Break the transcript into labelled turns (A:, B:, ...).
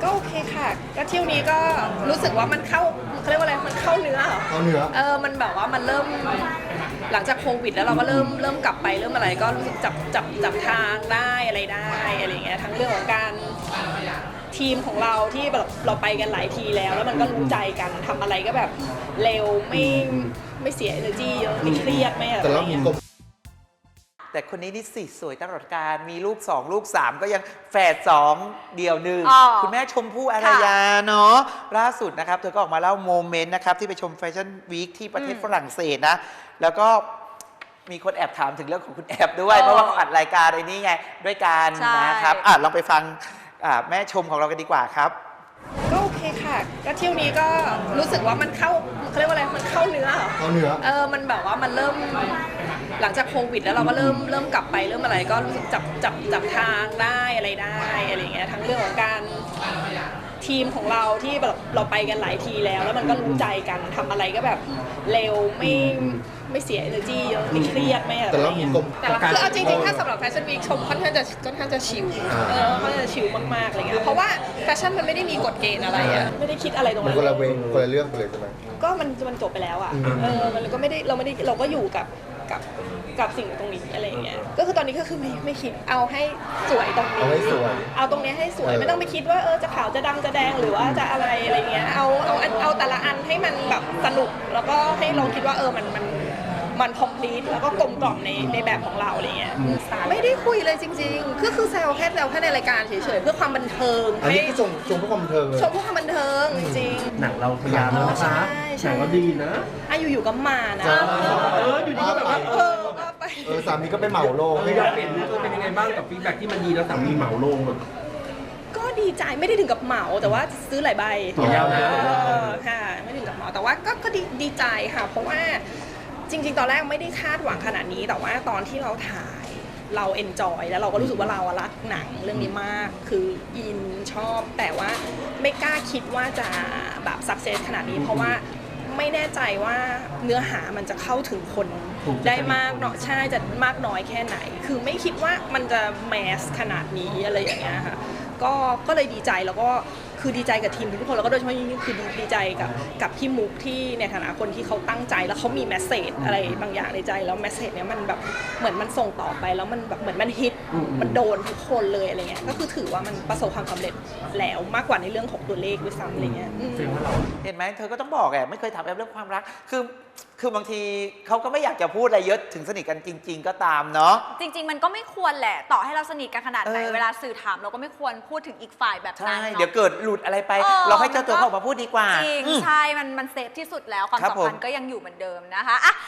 A: ก็โอเคค่ะก็เที่ยวนี้ก็รู้สึกว่ามันเข้าเขาเรียกว่าอะไรมันเข้าเนื้อเหรอ
B: เข้าเนื้อ
A: มันแบบว่ามันเริ่มหลังจากโควิดแล้วเราก็เริ่มกลับไปเริ่มอะไรก็รู้สึกจับทางได้อะไรได้อะไรอย่างเงี้ยทั้งเรื่องของการทีมของเราที่แบบเราไปกันหลายทีแล้วมันก็รู้ใจกันทำอะไรก็แบบเร็วไม่เสีย energy เยอะไม่เครียดไม่อะไร
B: แต่เรามีกลม
C: แต่คนนี้นี่สิสวยตลอดการมีลูก2ลูก3ก็ยังแฝด2เดี่ยวหนึ่ง
D: อ๋อ
C: คุณแม่ชมพู่อารยาเนาะล่าสุดนะครับเธอก็ออกมาเล่าโมเมนต์นะครับที่ไปชมแฟชั่นวีคที่ประเทศฝรั่งเศสนะแล้วก็มีคนแอบถามถึงเรื่องของคุณแอบด้วยเพราะว่าเขาอัดรายการไอ้นี่ไงด้วยกันนะครับลองไปฟังแม่ชมของเรากันดีกว่าครับ
A: ก็โอเคค่ะก็เที่ยวนี้ก็รู้สึกว่ามันเข้าเขาเรียกว่าอะไรมันเข้าเนื้อเหรอ
B: เข้าเนื้อ
A: มันแบบว่ามันเริ่มหลังจากโควิดแล้วเราก็เริ่มกลับไปเริ่มอะไรก็รู้สึกจับทางได้อะไรได้อะไรอย่างเงี้ยทั้งเรื่องของการทีมของเราที่แบบเราไปกันหลายทีแล้วมันก็รู้ใจกันทำอะไรก็แบบเร็วไม่เสีย energy เยอะไม่เครียดไม่อะไร
B: แต่เรามีกลม
A: แต่คือเอาจริงๆถ้าสำหรับแฟชั่นวีคชมค่อนข้างจะชิลค่อนข้างจะชิลมากๆอะไรเงี้ยเพราะว่าแฟชั่นมันไม่ได้มีกฎเกณฑ์อะไรอะไม่ได้คิดอะไรตรง
B: มัน
A: นั้น
B: คนละเวงคนละเรื่องไปเลยใช่ไหม
A: ก็มันจบไปแล้วอ่ะมันก็ไม่ได้เราก็อยู่กับสิ่งตรงนี้อะไรอย่างเงี้ยก็คือตอนนี้ก็คือไม่คิดเอาให้สวยตรงนี้
B: เอาให้สวย
A: เอาตรงนี้ให้สวยไม่ต้องไปคิดว่าจะขาวจะดำจะแดงหรือว่าจะอะไรเงี้ยเอาแต่ละอันให้มันแบบสนุกแล้วก็ให้เราคิดว่ามัน complete แล้วก็กลมกล่อมในแบบของเราอะไรเงี้ยไม่ได้คุยเลยจริงๆคือแซวแค่ในรายการเฉยๆเพื่อความบันเทิง
B: อันนี้คือชมเพื่อความบันเทิงเลย
A: ชมเพื่อความบันเทิงจริงๆ
E: หนังเราพยายามแล้วนะคะ
A: ใช่
E: หนังเราดีนะ
A: อยู่ๆก็มานะ
E: อยู่ดีก็แบบว่า
A: ว่าไป
B: สามีก็ไปเหมาโลง
E: อยากเห็นเป็นยังไงบ้างกับฟีดแบ็กที่มันดีแล้วสามีเหมาลง
A: ก็ดีใจไม่ได้ถึงกับเหมาแต่ว่าซื้อหลายใบ
E: ต่อยาวนะ
A: ค่ะไม่ถึงกับเหมาแต่ว่าก็ดีใจค่ะเพราะว่าจริงๆ ตอนแรกไม่ได้คาดหวังขนาดนี้แต่ว่าตอนที่เราถ่ายเราเอนจอยแล้วเราก็รู้สึกว่าเรารักหนังเรื่องนี้มากคืออินชอบแต่ว่าไม่กล้าคิดว่าจะแบบสักเซสขนาดนี้เพราะว่าไม่แน่ใจว่าเนื้อหามันจะเข้าถึงคนได้มากเนาะใช่จะมากน้อยแค่ไหน คือไม่คิดว่ามันจะแมสขนาดนี้อะไรอย่างเงี้ยค่ะก็เลยดีใจแล้วก็คือดีใจกับทีมทุกคนแล้วก็โดยเฉพาะยิ่งคือดีใจกับพี่มุกที่ในฐานะคนที่เขาตั้งใจแล้วเขามีแมสเซจอะไรบางอย่างในใจแล้วแมสเซจเนี้ยมันแบบเหมือนมันส่งต่อไปแล้วมันแบบเหมือนมันฮิตมันโดนทุกคนเลยอะไรเงี้ยก็คือถือว่ามันประสบความสำเร็จแล้วมากกว่าในเรื่องของตัวเลขด้วยซ้ำอะไรเงี้ย
C: เห็นไหมเธอก็ต้องบอกไม่เคยถามแอปเรื่องความรักคือบางทีเขาก็ไม่อยากจะพูดอะไรเยอะถึงสนิทกันจริง ๆ ก็ตามเนาะ
D: จริง ๆ มันก็ไม่ควรแหละต่อให้เราสนิทกันขนาดไหนเวลาสื่อถามเราก็ไม่ควรพูดถึงอีกฝ่ายแบบนั้น
C: ใช่
D: เนาะ
C: เดี๋ยวเกิดหลุดอะไรไป เราให้เจ้าตัวเขาออกมาพูดดีกว่า
D: จริงใช่มันเซฟที่สุดแล้วความ
C: ครับ
D: สัมพันธ์ก็ยังอยู่เหมือนเดิมนะคะ